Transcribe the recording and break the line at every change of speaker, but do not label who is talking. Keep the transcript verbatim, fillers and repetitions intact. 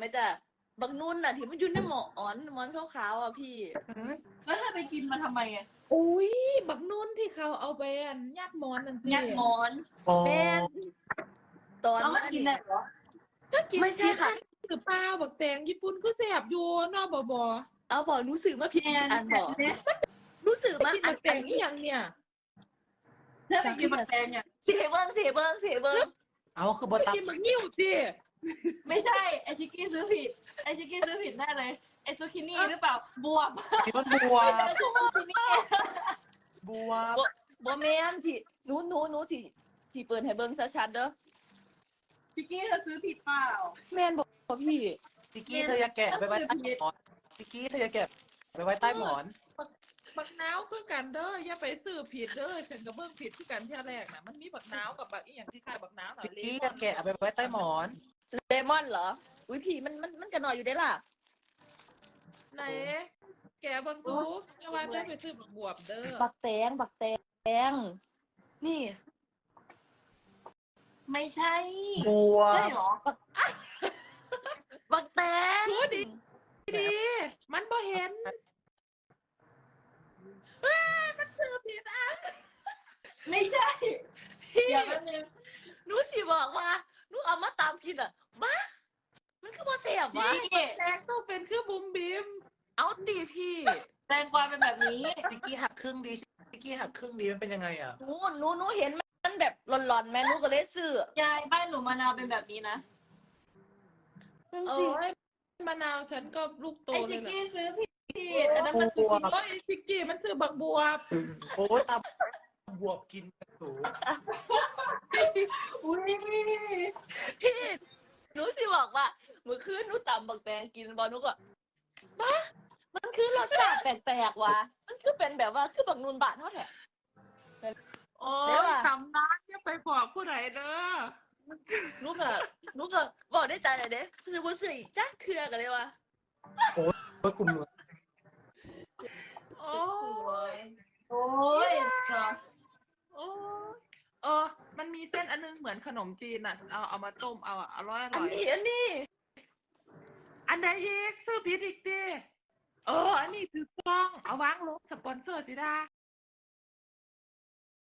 ไหมจ๊ะบักนุ่นน่ะที่มันอยู่ในหมอนหมอนขาวๆอ่ะพี่
แล้วถ้าไปกินมาทำไมไง
อุ้ยบักนุ่นที่เขาเอาไปอันยัดหมอนนั่นสิ
ยัดหมอน
อ๋อ
แม่นตอน
เอามา
นั้น
กินได้เหรอ
ก็กิน
ไม่ใช่ค่ะ
หรือเปล่าบักแตงญี่ปุ่นก็แสบอยู่เนอกบ่บ่
เอาบอกรู้สึกมาผิด
แอน
อันบอก
เนี่ย
รู้สึก
ไป
มา
กิน
อั
บั
น
กแตงนี่ยังเนี่ย
ถ้าไปกินมันแพงเนี่ย
เสียเบิ้งเสียเบิ้งเสียเบิ้ง
เอาคือบ
ไป
ตับ
กินบักนิ้วสิ
ไม่ใช่ไอชิกกี้ซื้อผิดไอชิกกี้ซื้อผิดแน่เลยไอซูคินี่หรือเปล่าบวบ
ที่มันบัว
ซูคินี่
บัว
บ่แม่นสิหนูหนูหนูสิสิเปิดให้เบิ้งชัดๆเด้อ
ชิกกี้เธอซื้อผิดเปล่า
แม่นบอกพี่
ซิกกี้เธออย่าแกะไปไว้ใต้หมอนซิกกี้เธออย่าแกะไปไว้ใต้หมอน
บักนาวคือกันเด้ออย่าไปซื้อผิดเด้อฉันก็เบิ่งผิดคือกันเที่ยแรกน่ะมันมีบักนาวกับบักอีหยังคล้ายๆบักนาวน่ะ
ซิก
เล
กี้
ม
อย่าแกะไปไว้ใต้หมอน
เลมอนเหรออุ้ยพี่มันมันมันก็น้อยอยู่ได้ล่ะ
ไหนแกเบิ่งซูอย่าว่าจะไปซื้อบักบวบเด้อ
บักแตงบักแตงนี่
ไม่ใช่
บัว
ใช่เหรอ
บักแตง
ดูดิดีมันบ่เห็นเอ้ยมันซื้อผิดอ่ะ
ไม่ใช่
พี่
เดี๋ยวแป๊บนึง
หนูสิบอกว่าหนูเอามาตามกินอ่ะบ้ามันคือบ่เสียบวะ
พี่
แตงต้องเป็นคือบุมบิม
เอาตีพี่
แตงกวาเป็นแบบนี้
ซิกกี้หักครึ่งดีซิกกี้หักครึ่งดีมันเป็นยังไงอ่ะ
หนูหนูหนูเห็นมันแบบหลอนๆแม่หนูก็เลยซื้อย
ายบ้านหนูมะนาวเป็นแบบนี้นะ
นั่น
เอ
สิ
อให้มะนาวฉันก็ลูกโต
ไอ
เล
ชิ
ย
ก
แหละ
กี้ซื้อผิดอันนั้นมัน
บั
ซื้อ
ว
ผิด
โอ้ยซิกกี้มันซื้อบักบวบ
โอ้ยตาบวบกินกระสู
อุ้ย
พี่หนูสิบอกว่าเมื่อคืนหนูตำบักแตงกินบอหนูก็บ้ามันคือรสชาติแปลกๆว่ะมันคือเป็นแบบว่าคือบักนูนบาทเท่าแท้
โอ้
เดี๋ยวย ว่ะ
ทำน้ำอย่าไปบอกผู้ใดเด้อ
หนูก็หนูก็บอกได้ใจเลยเด้คือบ่ซื้ออีกจักเครือกันเลยว่ะ
โอ้ยกลุ่มหนู
โอ้ย
โอ้ยเหรอ
โอ้ยเออ มันมีเส้นอันนึงเหมือนขนมจีนอ่ะ เอาเอามาต้มเอาอ่ะอร่อยอ
อัน
ร่อย
นี้อันนี้
อันไหนอีกซื้อผิดอีกดิเออ อันนี้ถือกล้อง เอาวางลงสปอนเซอร์สิดา